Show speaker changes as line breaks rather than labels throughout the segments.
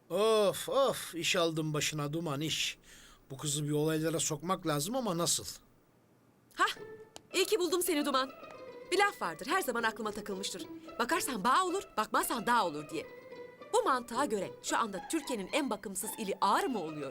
Of of, iş aldım başına Duman, iş. Bu kızı bir olaylara sokmak lazım ama nasıl?
Hah, iyi ki buldum seni Duman. Bir laf vardır, her zaman aklıma takılmıştır. Bakarsan bağ olur, bakmazsan dağ olur diye. Bu mantığa göre şu anda Türkiye'nin en bakımsız ili Ağrı mı oluyor?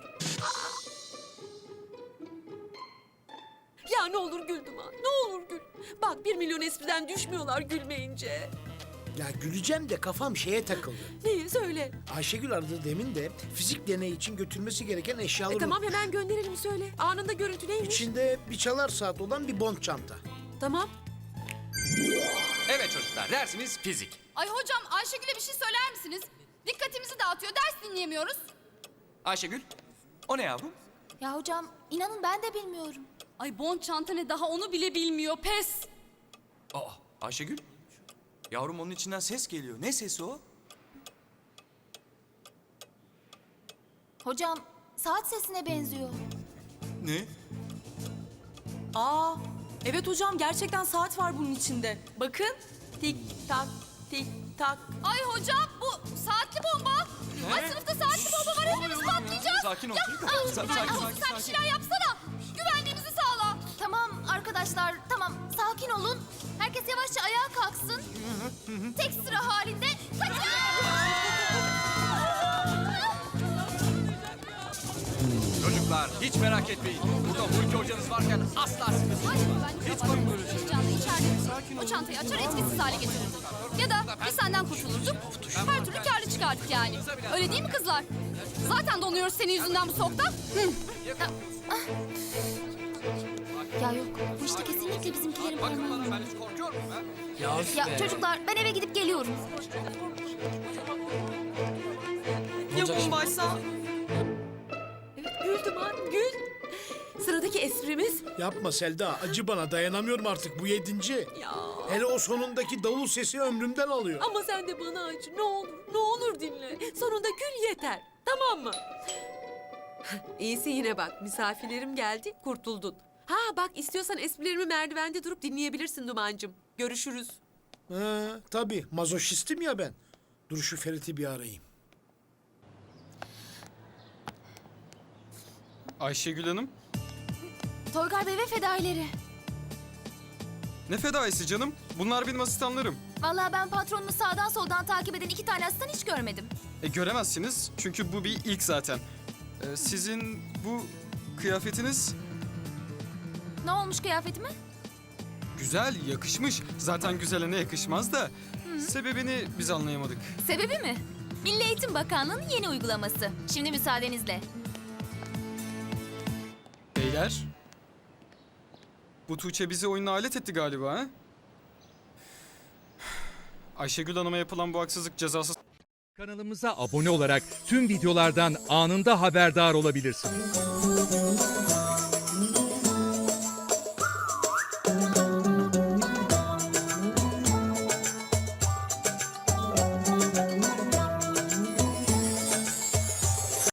Ya ne olur gül Duman, ne olur gül. Bak 1 milyon espriden düşmüyorlar gülmeyince.
Ya güleceğim de kafam şeye takıldı.
Neyi söyle.
Ayşegül aradı demin de fizik deneyi için götürmesi gereken eşyaları...
Tamam hemen gönderelim söyle. Anında görüntü neymiş?
İçinde bir çalar saat olan bir bond çanta.
Tamam.
Evet çocuklar, dersimiz fizik.
Ay hocam Ayşegül'e bir şey söyler misiniz? Dikkatimizi dağıtıyor, ders dinleyemiyoruz.
Ayşegül, o ne yavrum?
Ya hocam inanın ben de bilmiyorum.
Ay bon çanta ne daha onu bile bilmiyor, pes.
Aa, Ayşegül. Yavrum onun içinden ses geliyor. Ne sesi o?
Hocam saat sesine benziyor.
Ne?
Aa, evet hocam gerçekten saat var bunun içinde. Bakın. Tik tak, tik tak.
Ay hocam bu saatli bomba. Ay sınıfta saatli bomba var, hepimiz patlayacağız.
Sakin ol.
Sen bir şeyler yapsana. Güvenliğimizi sağla.
Tamam arkadaşlar tamam sakin olun. Herkes yavaşça ayağa kalksın. Tek sıra halinde kaçın.
Çocuklar, hiç merak etmeyin. Burada Hulki hocanız varken asla sıkıntı
Ay güvenlik kapalı. Heyecanla içeride o çantayı açar etkisiz hale getirirdik. Ya da biz senden kurtulurduk. Her türlü karlı çıkardık yani. Öyle değil mi kızlar? Zaten donuyoruz senin yüzünden bu soğukta.
Ya yok bu işte kesinlikle bizimkilerin parmağı.
Ben hiç korkuyor muyum ha?
Ya çocuklar ben eve gidip geliyorum.
Ya bombaysa?
Evet gül Duman, gül. Sıradaki esprimiz...
Yapma Selda, acı bana, dayanamıyorum artık, bu 7.
Ya
Hele o sonundaki davul sesi ömrümden alıyor.
ama sen de bana acı. Ne olur, ne olur dinle. Sonunda gül yeter. Tamam mı? İyisi yine bak. Misafirlerim geldi, kurtuldun. Ha bak istiyorsan esprilerimi merdivende durup dinleyebilirsin Duman'cığım. Görüşürüz.
Tabii, mazoşistim ya ben. Dur şu Ferit'i bir arayayım.
Ayşegül Hanım,
Toygar Bey ve fedaileri.
ne fedaisi canım? Bunlar benim asistanlarım.
Vallahi ben patronumu sağdan soldan takip eden 2 tane asistan hiç görmedim.
Göremezsiniz çünkü bu bir ilk zaten. Sizin bu kıyafetiniz
Ne olmuş kıyafetime?
güzel, yakışmış. Zaten güzele ne yakışmaz da sebebini biz anlayamadık.
Sebebi mi? Milli Eğitim Bakanlığı'nın yeni uygulaması. Şimdi müsaadenizle.
Beyler, bu Tuğçe bizi oyuna alet etti galiba ha? Ayşegül Hanım'a yapılan bu haksızlık cezasız...
Kanalımıza abone olarak tüm videolardan anında haberdar olabilirsiniz.